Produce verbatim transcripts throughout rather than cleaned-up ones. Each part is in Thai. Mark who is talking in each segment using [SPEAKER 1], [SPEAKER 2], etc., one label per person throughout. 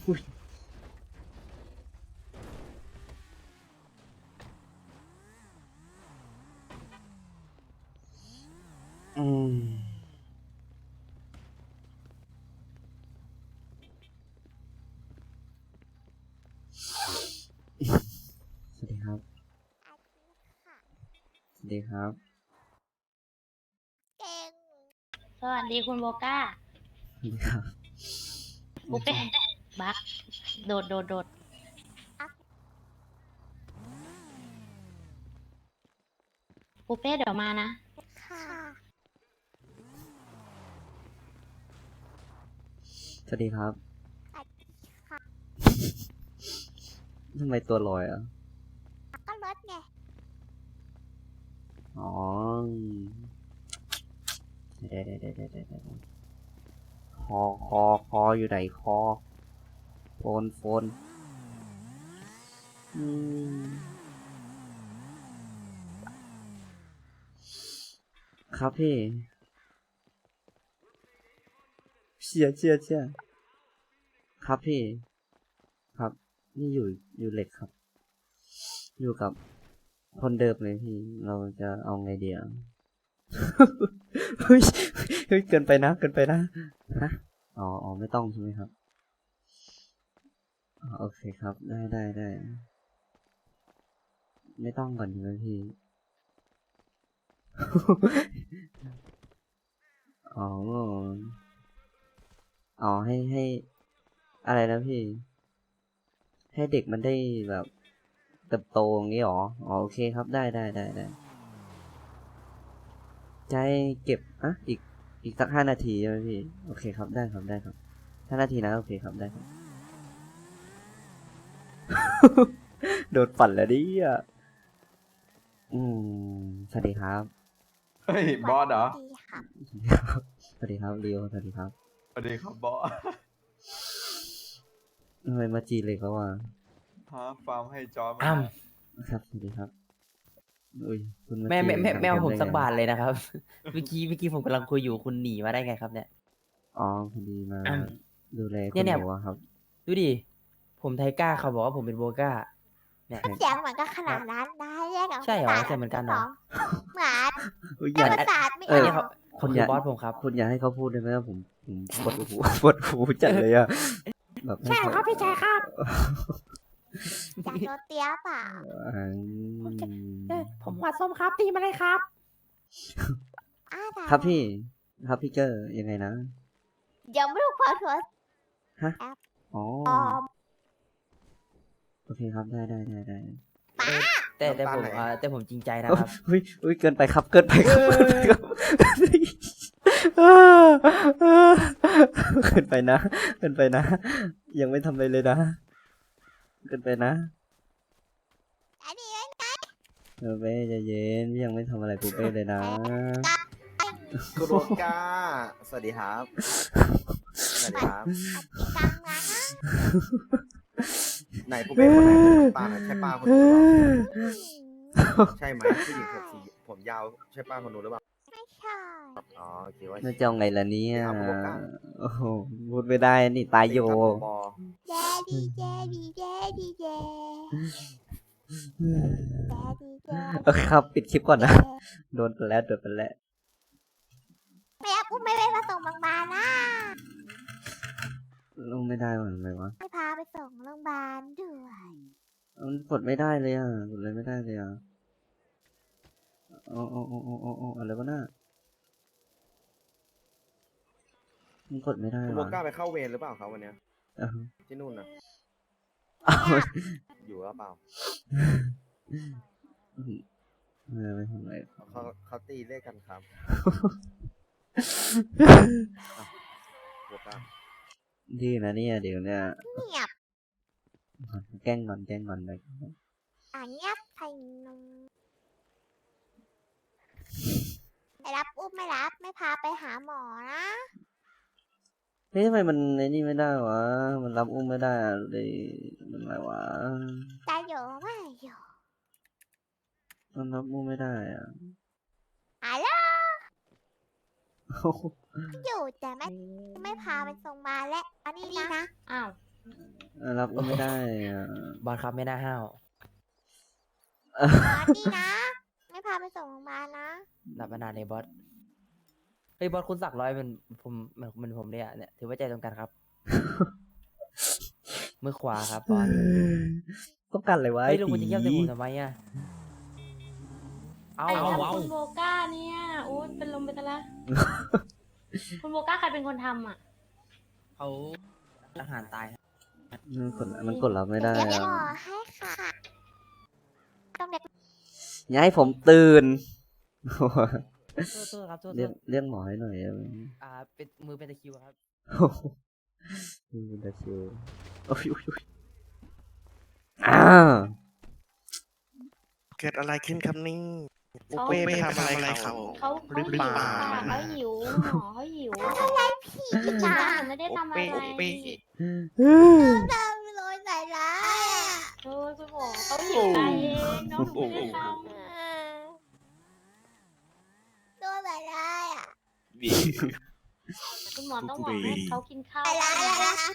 [SPEAKER 1] อุ้ยอืมสวัสดีครับสวัสดีครับ
[SPEAKER 2] เก่ง
[SPEAKER 3] สวัสดีคุณโบก้า
[SPEAKER 1] สวัสดีครับ
[SPEAKER 3] ปุ๊เป้บักโดดโดดโดดปุ๊เป้เดี๋ยวมานะ
[SPEAKER 2] ค่ะ
[SPEAKER 1] สวัสดีครับ
[SPEAKER 2] สวัสดีค่ะ
[SPEAKER 1] ทำไมตัวลอยอ่ะ
[SPEAKER 2] ก็รถไง
[SPEAKER 1] อ๋อเดี๋ยวเดี๋ยวเดี๋ยวเดี๋ยวเดี๋ยวคอคอคออยู่ไหนคอโฟนโฟนอืมครับพี่เชียร์เชียร์เชียร์ครับพี่ครับนี่อยู่อยู่เหล็กครับ อยู่กับคนเดิมเลยพี่เราจะเอาไงเดียว เฮ้ยเฮ้ยเกินไปนะเกินไปนะฮะอ๋ออ๋อไม่ต้องใช่ไหมครับอ๋อโอเคครับได้ได้ได้ไม่ต้องก่อนใช่ไหมพี่ อ๋ออ๋อให้ให้อะไรนะพี่ ให้เด็กมันได้แบบเติบโตอย่างนี้หรออ๋อโอเคครับได้ได้ได้ได้ใจเก็บอ่ะอีกอีกสักห้านาทีใช่ไหมพี่โอเคครับได้ครับได้ครับห้านาทีนะโอเคครับได้ครับ โดนปั่นแล้วดิอ่ะอืมสวัสดีครับ
[SPEAKER 4] เฮ้ยบอสเหรอ
[SPEAKER 2] ดีค่ะ
[SPEAKER 1] สวัสดีครับเรียวสวัสดีครับ
[SPEAKER 4] สวัสดีครับบอส
[SPEAKER 1] ทำไมมาจีเลยเขาอ่ะ
[SPEAKER 4] ฮะฟาร์มให้จอร์จ
[SPEAKER 5] อ้า
[SPEAKER 4] มา
[SPEAKER 1] ครับสวัสดีครับอุ้ยคุณมา
[SPEAKER 5] แม่
[SPEAKER 1] จี
[SPEAKER 5] แม่แม่
[SPEAKER 1] หนัง
[SPEAKER 5] แม่เอา
[SPEAKER 1] เต็
[SPEAKER 5] ผม
[SPEAKER 1] ได้
[SPEAKER 5] สัก
[SPEAKER 1] ไง
[SPEAKER 5] บาทเลยนะครับ เมื่อกี้เมื่อกี้ผมกำลังคุยอยู่คุณหนีมาได้ไงครับเนี่ย
[SPEAKER 1] อ๋อพอดีมา
[SPEAKER 5] อ้าว
[SPEAKER 1] ดูแลคุ
[SPEAKER 5] เนี่
[SPEAKER 1] ณ
[SPEAKER 5] ยเนี่ย
[SPEAKER 1] หนูอะครับ
[SPEAKER 5] ดูดิ ผมไทก้าเขาบอกว่าผมเป็นโบก้า เนี่ย
[SPEAKER 2] เสียงเหมือนกันขนาดนั้นนะเรียกกับ
[SPEAKER 5] ใช่เหรอ
[SPEAKER 2] ภาษา
[SPEAKER 5] เสียงเหมือนกันเหรอ
[SPEAKER 2] เหมือน
[SPEAKER 1] อุ๊ยอ
[SPEAKER 2] แต่
[SPEAKER 1] ย่า
[SPEAKER 2] ภาษาไม่
[SPEAKER 1] เอ
[SPEAKER 2] อ
[SPEAKER 1] อ
[SPEAKER 5] เนี่ย
[SPEAKER 2] อ
[SPEAKER 5] เขา
[SPEAKER 2] ก
[SPEAKER 5] คนคือบอสผมครับ
[SPEAKER 1] คุณอย่าให้เขาพูดได้ไหมว่าผมผมปวดหู ปวดหูจัดเลยอะแบบให้
[SPEAKER 2] ใช่
[SPEAKER 1] เขา
[SPEAKER 2] ครับพี่ชายครับอยากโดนเตี้ยเปล่า
[SPEAKER 1] อืม
[SPEAKER 5] ผมหัวส้มครับตีมาเลยครับ
[SPEAKER 2] อ้าได้
[SPEAKER 1] ครับพี่ ครับพี่เกอร์ยังไงนะ
[SPEAKER 2] เดี๋ยวไม่รู้ความถั่ว
[SPEAKER 1] ฮะ อ๋อ
[SPEAKER 2] ปลอม
[SPEAKER 1] โอเคครับได้ได้ได้ได้
[SPEAKER 5] แต่แต่ผมเอ่อแต่ผมจริงใจนะครับ
[SPEAKER 1] เฮ้ยเฮ้ยเกินไปครับ เกินไปครับ
[SPEAKER 5] เออ
[SPEAKER 1] เกินไปครับเกินไปนะ เกินไปนะ ยังไม่ทำอะไรเลยนะ เกินไปนะ
[SPEAKER 2] อันนี้
[SPEAKER 1] เออเป้ใจเย็นพี่ยังไม่ทำอะไรปูเป้เลยนะ
[SPEAKER 6] คุณโรก้า สวัสดีครับ สวัสดีครับ
[SPEAKER 2] กิจกรรมงานนะ
[SPEAKER 6] ไหนผมเป็นคนไหนเป็นป้าไหนใช่ป้าคนนู้นหรือเปล่าใช่ไหมผู้หญิงผมสีผมยาวใช่ป้าคนนู้นหรือเปล่า
[SPEAKER 2] ไม่ใช่
[SPEAKER 6] อ๋อโอเคว่า
[SPEAKER 1] น่าจะเอาไงล่ะเนี่ย
[SPEAKER 6] เอาผมบ้าง
[SPEAKER 1] โอ้โหพูดไม่ได้นี่ตายโย
[SPEAKER 6] ครับผมบอ
[SPEAKER 2] เจดีเจดีเจดีเจเจดีเจ
[SPEAKER 1] โอเคครับ ปิดคลิปก่อนนะ โดนไปแล้วโดนไปแล้ว
[SPEAKER 2] ไม่เอาปุ๊บไม่ไปมาส่งโรงพยาบาลนะ
[SPEAKER 1] ลงไม่ได้หรอทำไมวะ
[SPEAKER 2] ไม่พาไปส่งโรงพยาบาลด้วย
[SPEAKER 1] มันกดไม่ได้เลยอ่ะกดเลยไม่ได้เลยอ่ะอ๋ออ๋ออ๋ออ๋ออ๋ออะไรวะน่ะมันกดไม่ได้
[SPEAKER 6] คุณโร
[SPEAKER 1] วะ
[SPEAKER 6] ก้าไปเข้าเวรหรือเปล่าครับวันเนี้ย
[SPEAKER 1] อ้าว
[SPEAKER 6] ที่นู่นนะ
[SPEAKER 1] อ้าว
[SPEAKER 6] อยู่หรือเปล่า
[SPEAKER 1] เออไม่ทำอะไร
[SPEAKER 6] เขาเขาตีเลขกันครับโรก้า
[SPEAKER 1] ดีนะเนี่ยเดี๋ยวเนี่ย
[SPEAKER 2] เงียบ
[SPEAKER 1] แกล้งงอนแกล้งงอนไป
[SPEAKER 2] อ่ะเงียบใส่นมไม่รับอุ้มไม่รับไม่พาไปหาหมอนะ
[SPEAKER 1] เฮ้ยทำไมมันไอ้นี่ไม่ได้วะมันรับอุ้มไม่ได้อะเลยมันอะไรวะ
[SPEAKER 2] ตาอยู่ไม่อยู่
[SPEAKER 1] มันรับอุ้มไม่ได้อ่ะ
[SPEAKER 2] ฮัลโหลอยู่แต่ไม่ไม่พาไปส่งมาและอันนี้นะ
[SPEAKER 3] อ้าว
[SPEAKER 1] รับก็ไม่ได้อ่ะ
[SPEAKER 5] บอสครับไม่น่าห้าว
[SPEAKER 2] บอสนี่นะ ไม่พาไปส่งโรงพยาบาลนะ
[SPEAKER 5] หลับมานานเลยบอสเฮ้ยบอสคุณสักร้อยเป็นผมเหมือนเหมือนผมเลยอ่ะเนี่ยถือว่าใจตรงกันครับ มือขวาครับบอส
[SPEAKER 1] ต้องการอะไรวะ
[SPEAKER 5] เฮ้
[SPEAKER 1] ไอ้
[SPEAKER 5] ยลุง
[SPEAKER 1] ตี
[SPEAKER 5] คุณจะเยี่ยมใส่ผมทำไมอ่ะเอา
[SPEAKER 3] ไอ้
[SPEAKER 5] เอา
[SPEAKER 3] แล้ว
[SPEAKER 5] เอา
[SPEAKER 3] คุณโบก้าเนี่ยโอ้ยเป็นลมไปซะละ คุณโบก้าใครเป็นคนทำอ่ะ
[SPEAKER 5] เขาอาหารตายครับ
[SPEAKER 1] มันกดมันกดรับไม่ได้
[SPEAKER 2] เดี๋ยว
[SPEAKER 1] อ่ะ
[SPEAKER 2] หมอให้ค่ะ ต้องเด็ก
[SPEAKER 1] อย่าให้ผมตื่น
[SPEAKER 5] โทษโทษครับโทษโท
[SPEAKER 1] เรียก
[SPEAKER 5] ษ
[SPEAKER 1] เรียกหมอให้หน่อยได้ไหม
[SPEAKER 5] อ่าเป็นมือเป็นตะคริวครับ
[SPEAKER 1] โอ้โหนี่เป็นตะคริวโอ้ยโอ้ยโอ้ยอ้าว
[SPEAKER 7] เกิดอะไรขึ้นครับนี่ปู
[SPEAKER 3] เขา
[SPEAKER 7] เป้ไปทำอะไรเขา
[SPEAKER 3] เขา
[SPEAKER 7] ห
[SPEAKER 3] เขา
[SPEAKER 7] รือ
[SPEAKER 3] หิ
[SPEAKER 7] เป
[SPEAKER 3] ว
[SPEAKER 7] ล่า
[SPEAKER 3] ค่ะเขาหิวหมอเขาหิว
[SPEAKER 2] ผี
[SPEAKER 3] จริง
[SPEAKER 2] จ้า
[SPEAKER 3] จังหนูไม่ได้ทำอะไร
[SPEAKER 7] ปูเป้
[SPEAKER 2] ทำโดนใส่ร้ายอ่ะ
[SPEAKER 3] โอ้ยคุณหมอเขาหิวตายเองน้องหนูไม่ได้ท
[SPEAKER 2] เออโดนใส่ร้ายอ่ะ
[SPEAKER 3] ำคุณหมอต้องบอกให้เขากินข้าว
[SPEAKER 2] ใส่ร้ายอะไรนะ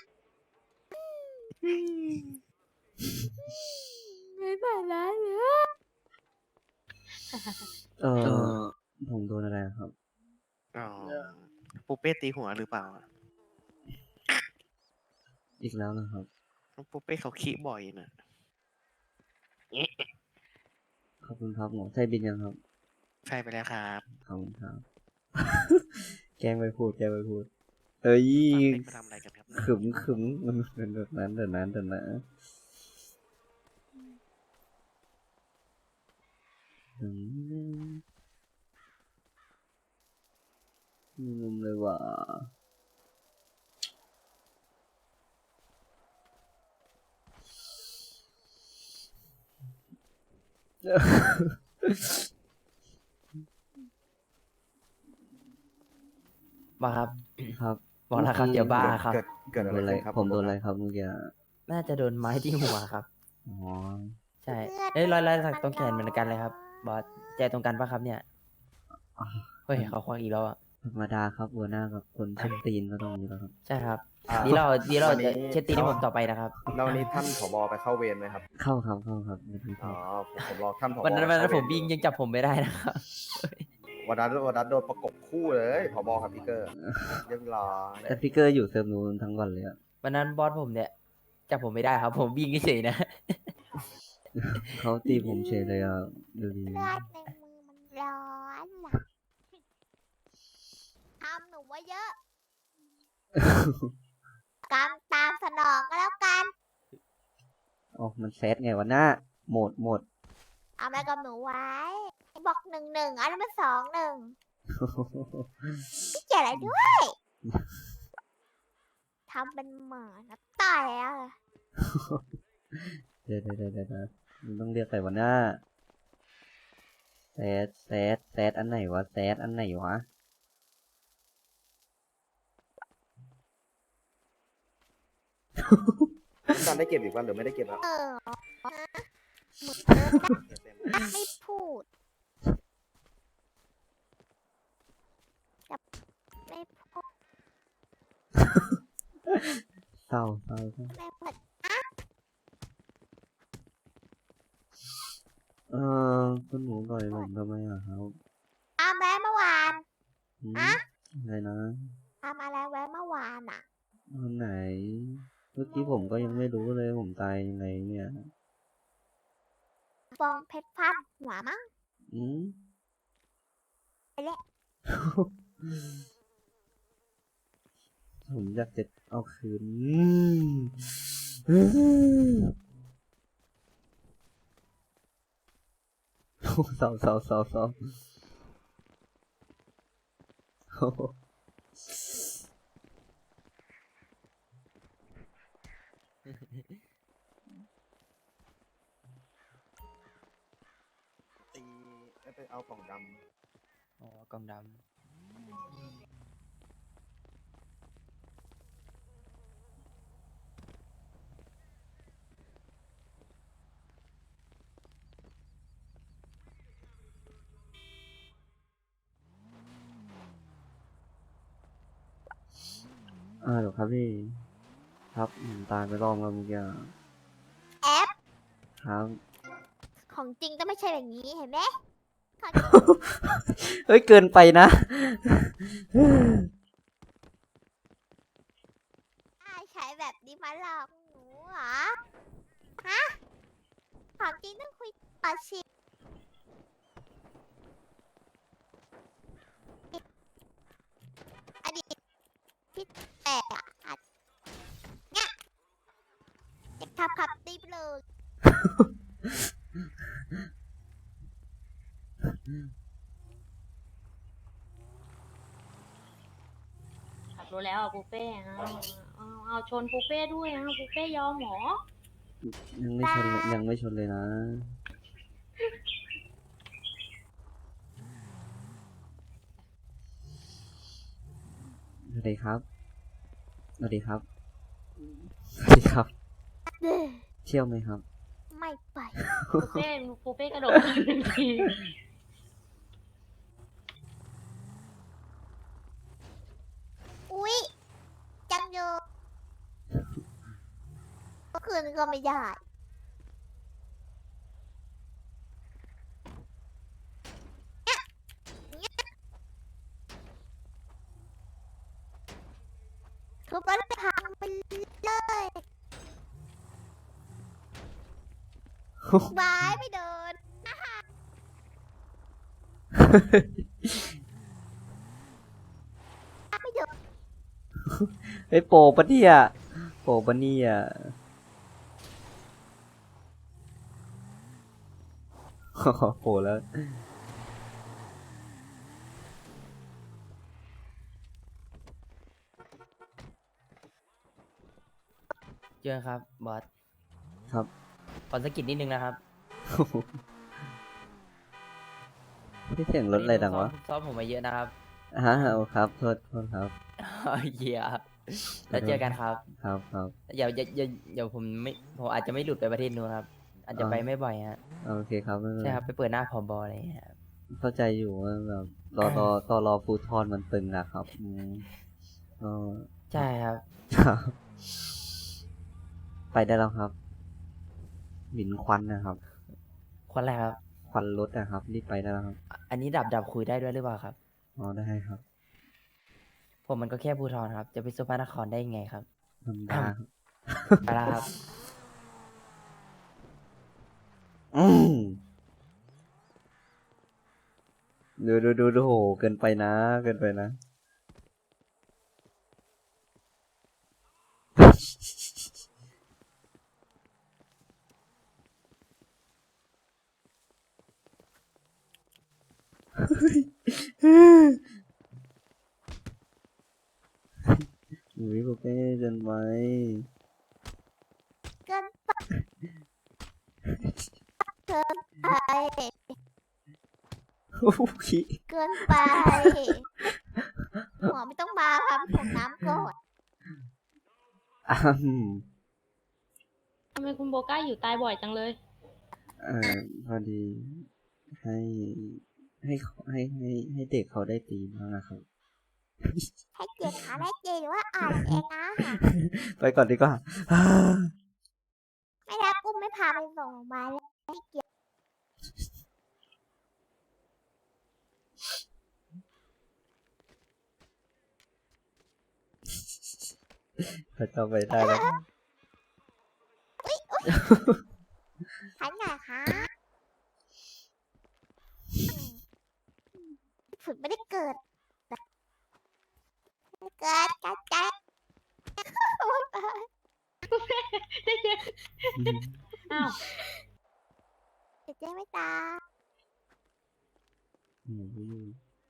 [SPEAKER 2] ไม่ใส่ร้ายเลย
[SPEAKER 1] เออผมโดนอะไรครับ
[SPEAKER 7] อ๋อปูเป้ตีหัวหรือเปล่า
[SPEAKER 1] อีกแล้วนะครับ
[SPEAKER 7] ปูเป้เขาขี้บ่อยนะ
[SPEAKER 1] ขอบคุณครับหมอใช่บินยังครับ
[SPEAKER 7] ใช่ไปแล้วครับ
[SPEAKER 1] ขอบคุณครับ แกล้งไปพูดแกล้งไปพูด เอ้ย
[SPEAKER 7] ไปทำอะไรกันครับ
[SPEAKER 1] ขึมขึมมันเป็นแบบนั้นเดี๋ยวนั้นเดี๋ยวนะอืมมีมุมเลยว่ะ
[SPEAKER 5] มาครับ
[SPEAKER 1] ครับ
[SPEAKER 5] บอกแล้วครับเดี๋ยวบ้าครับ
[SPEAKER 6] เกิดเกิด
[SPEAKER 1] โด
[SPEAKER 6] อะไร
[SPEAKER 1] นอะไร
[SPEAKER 6] ขึ้นครับ
[SPEAKER 1] ผมโดนอะไรครับเมื่อกี้
[SPEAKER 5] น่าจะโดนไม้ที่หัวครับ
[SPEAKER 1] อ๋อ
[SPEAKER 5] ใช่เอ้ยรอยรอยสักตรงแขนเหมือนกันเลยครับ บอสใจตรงกันปะครับเนี่ย เฮ้ยเขาควักอีกแล้วอ่ะ
[SPEAKER 1] ธรรมดาครับหัวหน้ากับคนชั้นตีนก็ต้องมีแล้วครับ
[SPEAKER 5] ใช่ครับ
[SPEAKER 6] อ่า
[SPEAKER 5] ดีเราดีเรา
[SPEAKER 6] วันนี้
[SPEAKER 5] จะเช็ดตีนให้ผมต่อไปนะครับ
[SPEAKER 6] แล้ววันนี้ท่านผบไปเข้าเวรไหมครับ
[SPEAKER 1] เข้าครับเข้าครับไม่ต้อง
[SPEAKER 6] อ๋อ
[SPEAKER 1] เข้า
[SPEAKER 6] ผมผมรอท่านผบ
[SPEAKER 5] วันนั้นวันนั้น
[SPEAKER 6] เข้า
[SPEAKER 5] ผม
[SPEAKER 6] เวร
[SPEAKER 5] วิ่งยังจับผมไม่ได้นะครับ
[SPEAKER 6] วันนั้นวันนั้นโดนประกบคู่เลยผบกับพี่เกอร์เรียบร้อย
[SPEAKER 1] แต่พี่เกอร์อยู่เซิร์ฟนู้นทั้งวันเลยอะ
[SPEAKER 5] วันนั้นบอสผมเนี่ยจับผมไม่ได้ครับ ผมวิ่งเฉยๆนะ
[SPEAKER 1] เขาตีผมเฉยเลยอ่ะดูดี
[SPEAKER 2] เลือดในมือมันร้อนอ่ะทำหนูว่าเยอะ กรรมตามสนองก็แล้วกัน
[SPEAKER 1] อ๋อมันเซตไงวะหน้าโหมดโหมด
[SPEAKER 2] เอาอะไรกับหนูไว้ บอกหนึ่งหนึ่งอันนั้นมันสองหนึ่งพี่เกี่ยวอะไรด้วย ทำเป็นเหมือนนะต่อยอ่ะ
[SPEAKER 1] เดี๋ยวเดี๋ยวเดี๋ยวเดี๋ยวมันต้องเรียกใครวะหน้าเซตเซตเซตอันไหนวะเซตอันไหนวะ
[SPEAKER 6] ท่านได้เก็บอีกวันหรือไม่ได้เก็บแล้ว
[SPEAKER 2] เออไม่พูดไม่พูด
[SPEAKER 1] เศร้าเศร้าเศร้า
[SPEAKER 2] ไม่พูด
[SPEAKER 1] เออคุณหนูต่อยผมทำไมอ่ะครับ
[SPEAKER 2] ทำแล้วเมื่อวาน
[SPEAKER 1] หืม
[SPEAKER 2] อะ
[SPEAKER 1] อะไรนะ
[SPEAKER 2] ทำอะไรไว้เมื่อวานอ่ะ
[SPEAKER 1] วันไหน เมื่อกี้ผมก็ยังไม่รู้เลยผมตายยังไงเนี่ย
[SPEAKER 2] ฟองเพชรพันหัวมั้ง
[SPEAKER 1] อืม
[SPEAKER 2] ไปแล้ว
[SPEAKER 1] ผมอยากจะเอาคืนอืมโอ้เศร้าเศร้าเศร้าเศร้าโอ้โห
[SPEAKER 6] ตีไปเอากล่องด
[SPEAKER 5] อ๋อกองดำ
[SPEAKER 1] อ่าเหรอครับพี่ คครับอืมตายไปรอบแล้วเมื่อกี้อะ
[SPEAKER 2] แอป
[SPEAKER 1] ครับ
[SPEAKER 2] ของจริงก็ไม่ใช่แบบนี้เห็นไหมของ
[SPEAKER 1] เฮ้ย เกินไปนะ
[SPEAKER 2] ใช้แบบนี้มาหลอกหนูเหรอ ฮะ ของจริงต้องคุยต่อชิอดีตที่แตกอะอะเนี่ยเด็กทับขับตีบเลย
[SPEAKER 3] ขับรถแล้วอะปูเป้เอาเอาเอาชนปูเป้ด้วยนะปูเป้ยอมเหรอ
[SPEAKER 1] ยังไม่ชนเลยยังไม่ชนเลยนะ สวัสดีครับ สวัสดีครับ สวัสดีครับ
[SPEAKER 2] เด้อ
[SPEAKER 1] เที่ยวไหมครับ
[SPEAKER 2] ไม่ไป
[SPEAKER 3] ปูเป้ปูเป้กระโดดขึ้นหนึ่งที
[SPEAKER 2] อุ๊ย จังเยอะเมื่อคืนก็ไม่ได้เนี่ยเนี่ยทุบรถพังไปเลยบายไม่เดินไม่เดิน
[SPEAKER 1] เฮ้ยโปะปะเนี่ยโปะปะเนี่ยโปะแล้ว
[SPEAKER 5] เจอครับบอส
[SPEAKER 1] ครับ
[SPEAKER 5] ขอสะกิดนิดนึงนะครับ
[SPEAKER 1] พี่เสียงรถอะไรดังวะ
[SPEAKER 5] ซ้อมผมมาเยอะนะครับ
[SPEAKER 1] ฮะโอ้ครับ โทษโทษครับ
[SPEAKER 5] เยียแล้วเจอกันครับ
[SPEAKER 1] ครับครับ
[SPEAKER 5] เดี๋ยวเดี๋ยวเดี๋ยวเดี๋ยวผมไม่ผมอาจจะไม่หลุดไปประเทศนู้นครับ อาจจะไปไม่บ่อยฮะ
[SPEAKER 1] โอเคครับไม่เป็น
[SPEAKER 5] ใช่
[SPEAKER 1] ไร
[SPEAKER 5] ครับไปเปิดหน้าผอบออะไรอย่างเงี้ยครับ
[SPEAKER 1] เข้าใจอยู่ว่าแบบรอรอตอรอฟูทอนมันตึงอะครับอืมก็
[SPEAKER 5] ใช่ครับ
[SPEAKER 1] ครับ ไปได้แล้วครับหมิ่นควันนะครับ
[SPEAKER 5] คนแรกครับ
[SPEAKER 1] ควันรถนะครับ รีบไปได้แล้วครับ
[SPEAKER 5] อันนี้ดับดับคุยได้ด้วยหรือเปล่าครับ
[SPEAKER 1] อ๋อได้ครับ
[SPEAKER 5] ผมมันก็แค่ภูทรครับ จะไปสุพรรณนครได้ยังไงครับ
[SPEAKER 1] ธรรมดาครับ
[SPEAKER 5] ไปแล้วครับ
[SPEAKER 1] อืมดูดูดูดูโหเกินไปนะ เกินไปนะ อุ้ยโปเป้เกินไป
[SPEAKER 2] เกินไปเกินไป
[SPEAKER 1] โอ้ย
[SPEAKER 2] เกินไป หัวไม่ต้องมาครับผมน้ำก่อน
[SPEAKER 1] อ้ำ
[SPEAKER 3] ทำไมคุณโบก้าอยู่ตายบ่อยจังเลย
[SPEAKER 1] เอ่อพอดีให้ให้ให้ให้ให้เด็กเขาได้ตีบ้างนะครับ
[SPEAKER 2] ให้เกียรติขาได้เจหรือว่าอ่านเองนะ
[SPEAKER 1] ไปก่อนดีกว่า
[SPEAKER 2] ไม่รับอุ้มไม่พาไปส่งโรงพยาบาลเลยให้เกียรติ
[SPEAKER 1] เขาจะไปได้แล้ว
[SPEAKER 2] ขันหน่อยคะฝึกไม่ได้เกิดไม่เกิดกัดกัด
[SPEAKER 3] อ้าว
[SPEAKER 2] เดี๋ยวเจ๊ไม่ตา
[SPEAKER 1] อืม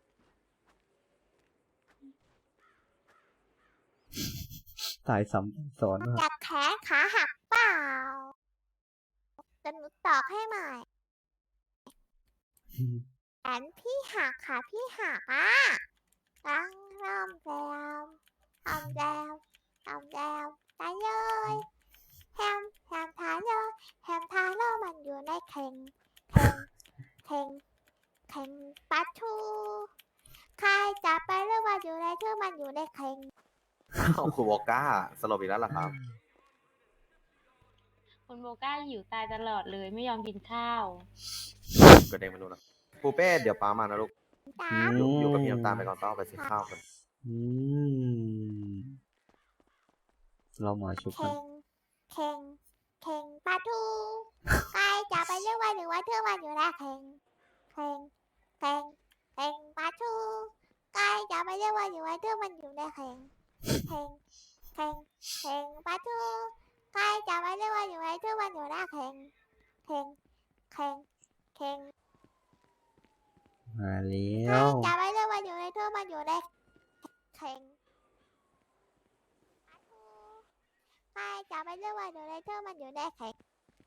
[SPEAKER 1] ตายซ้ำสอนว่า
[SPEAKER 2] จากแขนขาหักเปล่าจะหนูตอกให้ใหม่แขนพี่หักขาพี่หักอ่ะตั้งรำแซมทำแซมทำแซมตายเลยแฮมแฮมทาโร่แฮมทาโร่มันอยู่ในเข่งเข่งเข่งเข่งปลาทูใครจับไปหรือว่าอยู่ในชื่อมันอยู่ในเข่ง
[SPEAKER 6] อ้าวคุณวอก้าสลบอีกแล้วเหรอครับ
[SPEAKER 3] คุณโบก้าหิวตายตลอดเลยไม่ยอมกินข้าว
[SPEAKER 6] กระเด้งมาดูนะปูเป้เดี๋ยวป้ามานะลูก
[SPEAKER 2] จ้า
[SPEAKER 6] อยู่อยู่กับพี่น้ำตาลไปก่อนต้องไปซื้อข้าวกัน
[SPEAKER 1] อืมเราหมาชุบกั
[SPEAKER 2] เข่
[SPEAKER 1] น
[SPEAKER 2] งเข่งเข่งปลาทูใครจะไปเรียกว่าหรือว่าเธอวันอยู่แล้วเข่งเข่งเข่งเข่งปลาทูใครจะไปเรียกว่าหรือว่าเธอมันอยู่ในเข่งเข่งเข่งเข่งปลาทูใครจะไปเรียกว่าหรือว่าเธอมันอยู่แล้วเข่งเข่งเข่งเข่ง
[SPEAKER 1] มาแล้
[SPEAKER 2] ใคร
[SPEAKER 1] ว
[SPEAKER 2] จะไปเรียกว่าอยู่ในเธอมันอยู่ในเข่งปลาทูใครจะไปเรียกว่าอยู่ในเธอมันอยู่ในเข่ง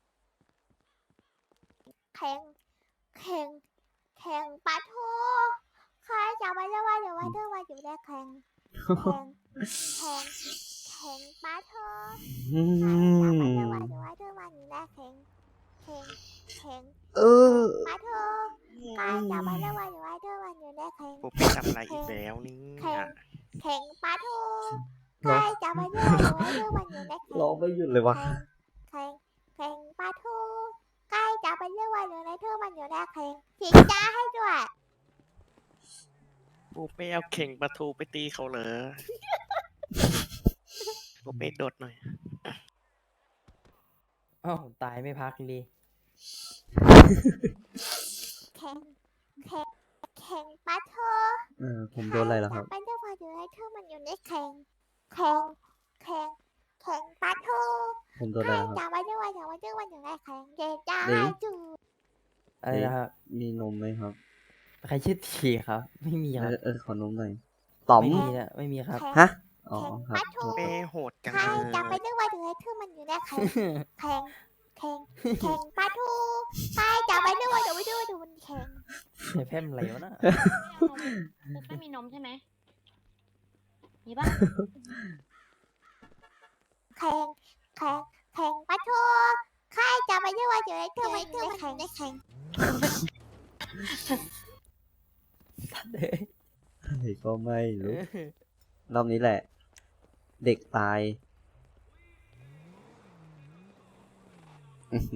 [SPEAKER 2] เข่งเข่งเข่งปลาทูใครจะไปเรียกว่าอยู่ว่าเธอมันอยู่ในเข่งเข่งเข่งเข่งปลาทู
[SPEAKER 1] อื
[SPEAKER 2] ใครจะไป
[SPEAKER 1] ม
[SPEAKER 2] เรียกว่าอยู่ว่าเธอมันอยู่ในเข่งเข่งเข่ง
[SPEAKER 1] เออ
[SPEAKER 2] ปลาทูใครจะไปเรียกว่าอยู่ว่าเธอมันอยู่ในเข่ง
[SPEAKER 7] ปูเป้ทำอะไรอีกแล้วนี่
[SPEAKER 2] เข่ง
[SPEAKER 7] อ่ะ
[SPEAKER 2] เข่งปลาทูใครจะไปเรียกว่าอยู่ว่าเธอมันอยู่ในเข่ง
[SPEAKER 1] ร้องไม่หยุดเลยวะ
[SPEAKER 2] เข่งเข่งปลาทูใกล้จะไปเรียกว่าอยู่ในเธอมันอยู่ในเข่งฉีกจ้าให้ด้วย
[SPEAKER 7] ปูเป้เอาเข่งปลาทูไปตีเขาเหรอ ปูเป้โดดหน่อย
[SPEAKER 5] อ้าวตายไม่พักเลย
[SPEAKER 2] เข่งเข่งเข่งปลาทู
[SPEAKER 1] เออผมโดนอะไรแล้วครับ
[SPEAKER 2] ใคจะไปเรียกว่าอยู่ในเธอมันอยู่ในเข่งเข่งเข่งเข่งปลาทู
[SPEAKER 1] ผมโดน
[SPEAKER 2] ใค
[SPEAKER 1] อะไร
[SPEAKER 2] ร
[SPEAKER 1] แล้วครับ
[SPEAKER 2] จะไปเรียกว่าอยู่ว่าเธอมันอยู่ในเข่งเกจ้า
[SPEAKER 1] เดี๋ยว
[SPEAKER 2] ให้จู
[SPEAKER 5] อะไรนะครับ
[SPEAKER 1] มีนมไหมครับ
[SPEAKER 5] ใครชื่อทีครับ ไม่มี
[SPEAKER 1] เอ
[SPEAKER 5] ครับ
[SPEAKER 1] อเออขอนมหน่อยต๋อม
[SPEAKER 5] ไม่มีนะไม่มีครับ
[SPEAKER 2] เข่ง
[SPEAKER 1] ฮะ อ๋อครับ
[SPEAKER 7] ปูเป้โหดจัง
[SPEAKER 2] ใคร
[SPEAKER 7] เล
[SPEAKER 2] จะไป
[SPEAKER 7] ย
[SPEAKER 2] เรียกว่าอยู่ในเธอมันอยู่ในเข่งเข่งเข่งเข่งปลาทูใครจะไปเรียกว่าอยู่ว่าเธอมันอยู่ในเข่ง
[SPEAKER 5] ไอ้แพมอะไรวะน่ะ
[SPEAKER 3] ไม่เอานมปุ๊บไม่มีนมใช่ไหมมีปะ
[SPEAKER 2] แข่งแข่งแข่งปะทูใครจะไปเรียกว่าอยู่ในเธอมันอยู่ในแข่งในแข่ง
[SPEAKER 5] เด้อ
[SPEAKER 1] อะไรก็ไม่รู้ รอบนี้แหละ เด็กตายอื้อหื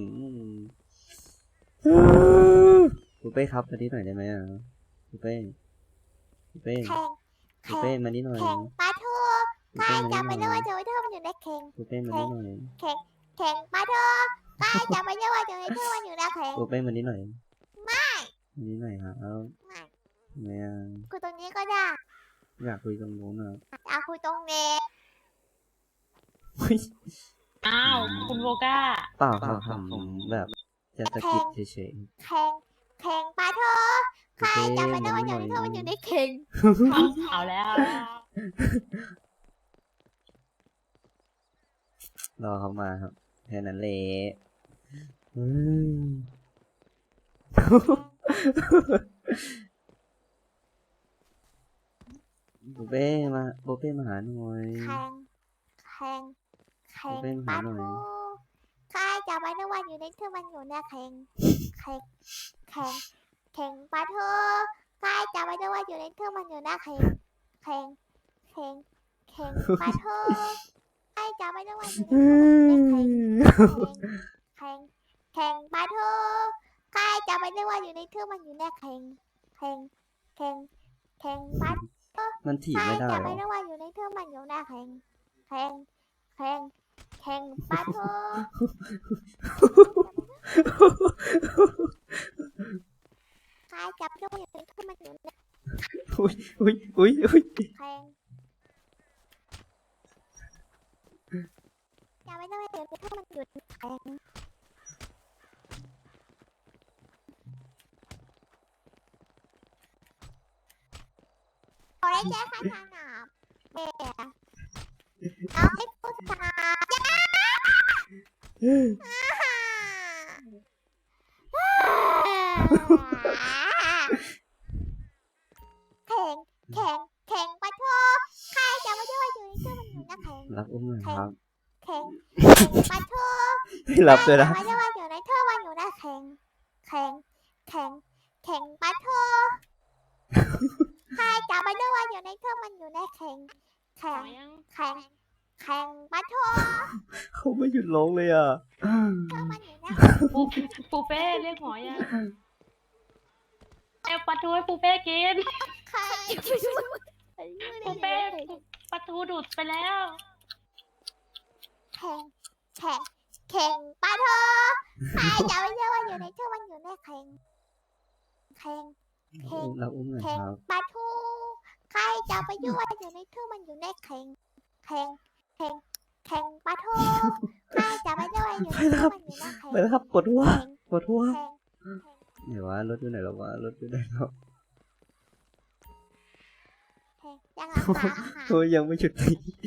[SPEAKER 1] อปูเป้ครับมานี่หน่อยได้ไหมอ่ะปูเป้ปูเป้
[SPEAKER 2] แข่ง
[SPEAKER 1] ปูเป้มานี่หน่อย
[SPEAKER 2] แข่งปะทู
[SPEAKER 1] ปู
[SPEAKER 2] ใคร
[SPEAKER 1] เป้มา
[SPEAKER 2] จะ
[SPEAKER 1] นี่
[SPEAKER 2] ไป
[SPEAKER 1] หน่
[SPEAKER 2] เรี
[SPEAKER 1] อย ย
[SPEAKER 2] กว่าอยู่ในเธอมันอยู่ในแข่ง
[SPEAKER 1] ปูเป้มานี่หน่อย
[SPEAKER 2] แข่งแข่งปะทูใครจะไปเรียกว่าอยู่ในเธอมันอยู่ในแข่ง
[SPEAKER 1] ปูเป้มานี่หน่อย
[SPEAKER 2] ไม่
[SPEAKER 1] มานี่หน่อยครับเอา
[SPEAKER 2] ไม่
[SPEAKER 1] ทำไมอ่ะ
[SPEAKER 2] คุยตรงนี้ก็ได้
[SPEAKER 1] อยากคุยตรงนู้นอ่ะ
[SPEAKER 2] เอาคุยตรงนี้
[SPEAKER 1] เฮ้ย
[SPEAKER 3] อ้าวคุณโบก้า
[SPEAKER 1] เปล่าครับผมแบบจะสะกิดเฉย
[SPEAKER 2] แข่งแข่งปะทู
[SPEAKER 1] ๆ
[SPEAKER 2] ใคร
[SPEAKER 1] ปูเป้
[SPEAKER 2] จะไป
[SPEAKER 1] มา
[SPEAKER 2] เรียกว่า
[SPEAKER 1] นี่
[SPEAKER 2] อ
[SPEAKER 1] ห
[SPEAKER 2] ยู่
[SPEAKER 1] น่อย
[SPEAKER 2] ในเธอมันอยู่ในแข่ง
[SPEAKER 3] เอาเอาแล้วเอาแล้ว
[SPEAKER 1] รอเขามาครับแค่นั้นแหละอืม ปูเป้มาปูเป้มาหาหน่อย
[SPEAKER 2] แข่งแข่งแข่ง
[SPEAKER 1] เป็นห
[SPEAKER 2] ปะ
[SPEAKER 1] มาหน่อย
[SPEAKER 2] ทูใครจะไปเรียกว่าอยู่ในเธอมันอยู่ในแข่งแข่งแข่งแข่งปะทูใครจะไปเรียกว่าอยู่ในเธอมันอยู่ในแข่งแข่งแข่งแข่งปะทูใครจะไปเรียกว่าอยู่ในเธอมันอยู่ในแข่งแข่งแข่งปะทูใครจะไปเรียกว่าอยู่ในเธอมันอยู่ในแข่งแข่งแข่งแข่งปะทู
[SPEAKER 1] มันถีบ
[SPEAKER 2] ใคร
[SPEAKER 1] ไม่ได้
[SPEAKER 2] จะ
[SPEAKER 1] หร
[SPEAKER 2] ไป
[SPEAKER 1] อ
[SPEAKER 2] เรียกว่าอยู่ในเธอมันอยู่ในแข่งแข่งแข่งแข่งปะทูใครจะไปเรียกว่าอยู่ในเธอมันอยู่ใน
[SPEAKER 1] อุ้ยอุ้ยอุ้ยอุ้ย
[SPEAKER 2] แข่งจะไปเรียกว่าอยู่ในเธอมันอยู่ในแข่งโอ้ยแจ๊คสนามเด็กเอาให้พูดตาแข่งแข่งแข่งปะทูใครจะไปเรียกว่าอยู่ในเธอมันอยู่ในแข่ง
[SPEAKER 1] รับอุ้มหน่อยครับ
[SPEAKER 2] แข่งแข่งปะทู
[SPEAKER 1] ไม่รับเลยนะ
[SPEAKER 2] ใครจะไปเรียกว่าอยู่ในเธอมันอยู่ในแข่งแข่งแข่งแข่งปะทูใครจะไปเรียกว่าอยู่ในเธอมันอยู่ในแข่งแข่
[SPEAKER 3] เอา
[SPEAKER 2] ง
[SPEAKER 3] ยัง
[SPEAKER 2] แข่งแข่งปะโถ
[SPEAKER 1] เขาไม่หยุดร้องเลยอ่ะ
[SPEAKER 2] เธอมันอยู่นะ
[SPEAKER 3] ปูปูเป้เรียกหมอยังเอวปลาทูให้ปูเป้กิน
[SPEAKER 2] ใคร
[SPEAKER 3] ปูเป้ปลาทูดูดไปแล้ว
[SPEAKER 2] แข่งแข่งแข่งปะโถใครจะไม่เชื่อว่าอยู่ในเชื่อมันอยู่ในแข่งแข่งแข่ง
[SPEAKER 1] เราอุ้มหน่อย
[SPEAKER 2] แข่ง
[SPEAKER 1] ครับ
[SPEAKER 2] ปะทูใครจะไปยั่วอยู่ในทู่มันอยู่ในแข่งแข่งแข่งแข่งปะทูใครจะไปยั่วอยู่ในทู่มันอยู่ในแข่ง
[SPEAKER 1] ไปแล้วครับปวดหัว
[SPEAKER 2] แข่ง
[SPEAKER 1] ปวดหัว
[SPEAKER 2] แข่ง
[SPEAKER 1] ไหนวะรถอยู่ไหนแล้ววะรถอยู่ไหนแล้ว
[SPEAKER 2] แข่งยังรักษาค่ะ
[SPEAKER 1] โอ้ยยังไม่หยุดตี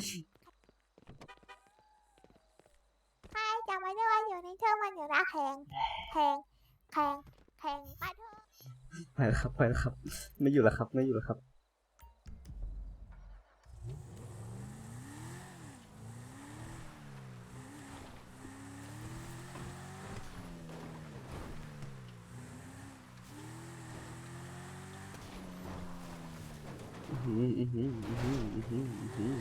[SPEAKER 2] ใครจะไปยั่วอยู่ในทู่มันอยู่ในแข่งแข่งแข่งแข่งปะทู
[SPEAKER 1] ไปแล้วครับไปแล้วครับ ไม่อยู่แล้วครับไม่อยู่แล้วครับอื้อหืออื้อหืออื้อหืออื้อหืออื้อหือ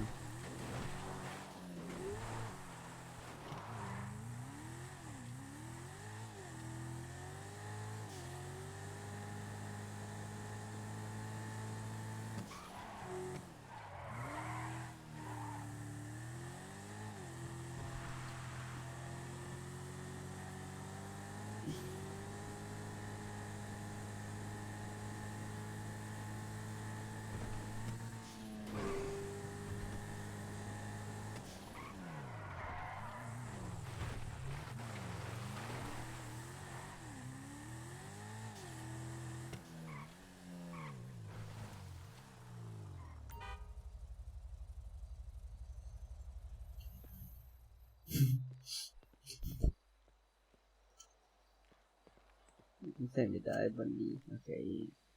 [SPEAKER 1] ใส่ไม่ได้บันนี้โอเค